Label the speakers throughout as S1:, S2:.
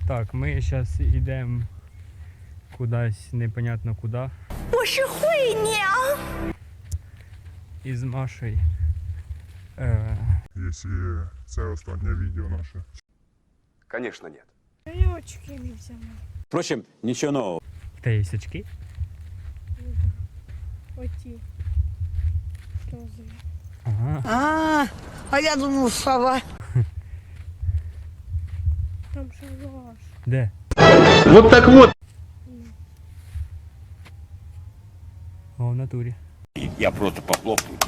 S1: Так, ми зараз йдемо кудись, непонятно куди. Із Машею.
S2: Якщо це останнє відео наше.
S3: Конечно, нет.
S4: Я очки не взяла.
S5: Впрочем, ничего нового.
S1: Та є очки?
S4: Оті. Розові.
S1: Ага.
S6: А я думал, сова.
S4: Там шалаш.
S1: Де?
S7: Вот так вот.
S1: О, в натурі.
S5: Я просто похлопаю.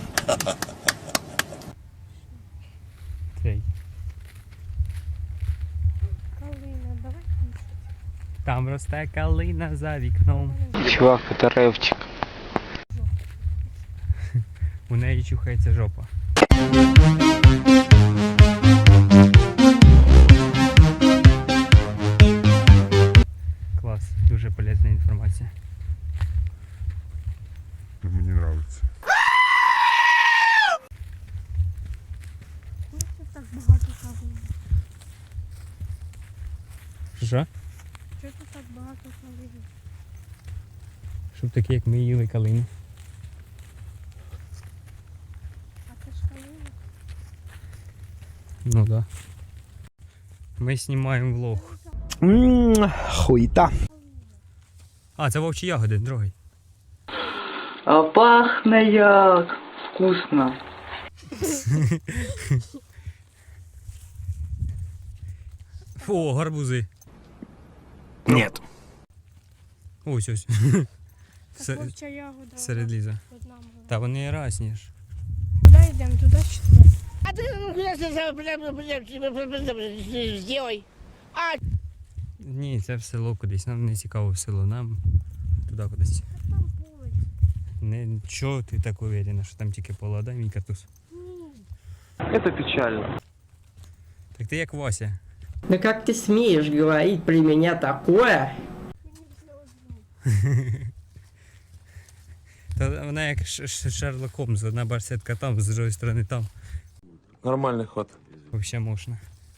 S1: Цей.
S4: Калина, давай кушать.
S1: Там росте калина за вікном.
S7: Чувак, это рэвчик.
S1: У неї чухається жопа. Клас, дуже полезна інформація.
S2: Мені подобається.
S4: Ну, це так багато калини.
S1: Що?
S4: Чого тут так багато калини?
S1: Щоб такі, як ми їли калину.
S4: А це ж калина?
S1: Ну да. Ми знімаємо влог.
S7: Хуета.
S1: А, це вовчі ягоди, другий.
S7: А пахне як вкусно.
S1: О, гарбузи.
S5: Нет.
S1: Ось ось.
S4: Так вовча ягода.
S1: Серед ліза.
S4: Одна була.
S1: Та вони разні ж.
S4: Куди йдемо? Туди чи туди?
S6: А ты сделай.
S1: Ні, це в село кудись. Нам не цікаво в село, нам туди кудись.
S4: А там поле.
S1: Не, чого ти так уверена, що там тільки пола, дай мій картуз.
S7: Это печально.
S1: Так ти як Вася.
S8: Да как ты смеешь говорить при меня такое?
S1: Та вона як Шерлок Холмс, одна барсетка там, з другої сторони там.
S7: Нормальный ход.
S1: Взагалі можна.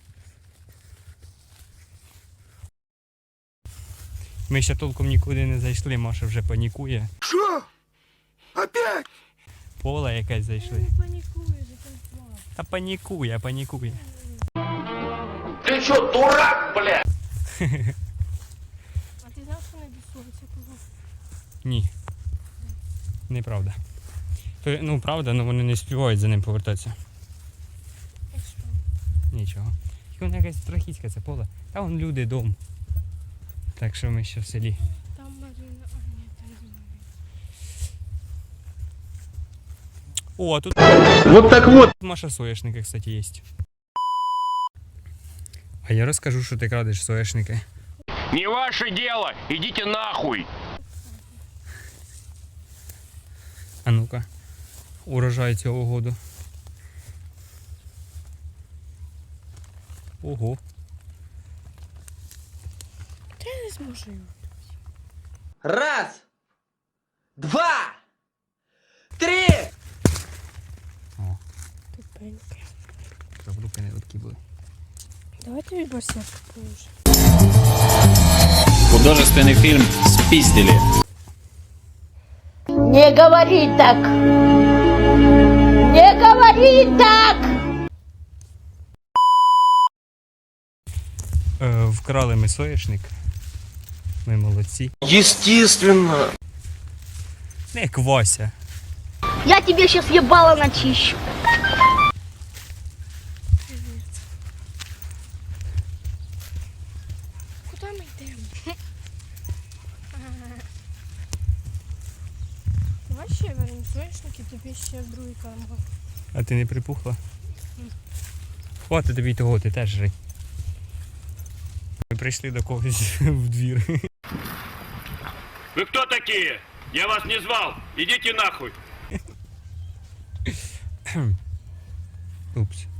S1: Ми ще толком нікуди не зайшли, Маша вже панікує.
S3: Что? Опять?
S1: Поле якесь зайшли.
S4: Не панікуй, зачем плакати?
S1: Та панікує, панікує.
S5: Ты что, дурак, блядь?
S4: А ти знав, що не досується кого?
S1: Ні. Неправда. Ну, правда, але вони не співають за ним повертатися.
S4: І що?
S1: Нічого. Тільки воно якась страхітська це поле. Та вон люди, дом. Так що ми ще в селі.
S4: Там Марина, а ні, там Марина.
S1: О, а тут
S7: Вот так вот.
S1: Маша соняшники, кстати, є. А я розкажу, що ти крадеш соняшники.
S5: Не ваше дело, идите нахуй.
S1: А ну-ка. Урожай цього году. Ого.
S4: Та я не зможу його.
S8: Раз, два, три!
S4: Тупеньке.
S1: Щоб руки не липкі були.
S4: Давай тобі барсетку положу.
S5: Художественный фильм «Спиздили».
S6: Не говори так. Не говори так.
S1: Вкрали ми соняшник. Ми молодці.
S7: Естественно.
S1: Не як Вася.
S6: Я тебе сейчас ебало начищу.
S4: Куди ми йдемо? Давай ще вернемо соняшники, тобі ще в другий карман.
S1: А ти не припухла? Хватить тобі того, ти теж жри. Ми прийшли до когось в двір.
S5: Вы кто такие? Я вас не звал. Идите нахуй.
S1: Упс.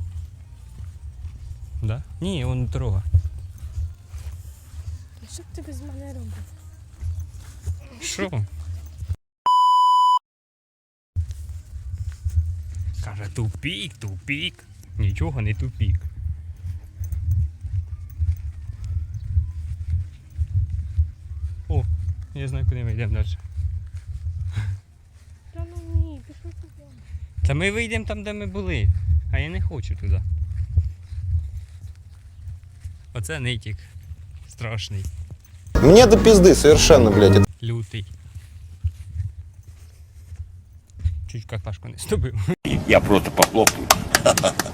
S1: Да? Ні, он дорога.
S4: А що б ти без мене робив?
S1: Що? Каже, тупік, тупік. Нічого не тупік. Я знаю, куди ми йдемо далі.
S4: Та ну ні, пішли туди.
S1: Та ми вийдемо там, де ми були. А я не хочу туди. Оце нитік. Страшний.
S9: Мне до пизды совершенно, блядь.
S1: Лютий. Чуть какашку не ступив.
S5: Я просто похлопаю.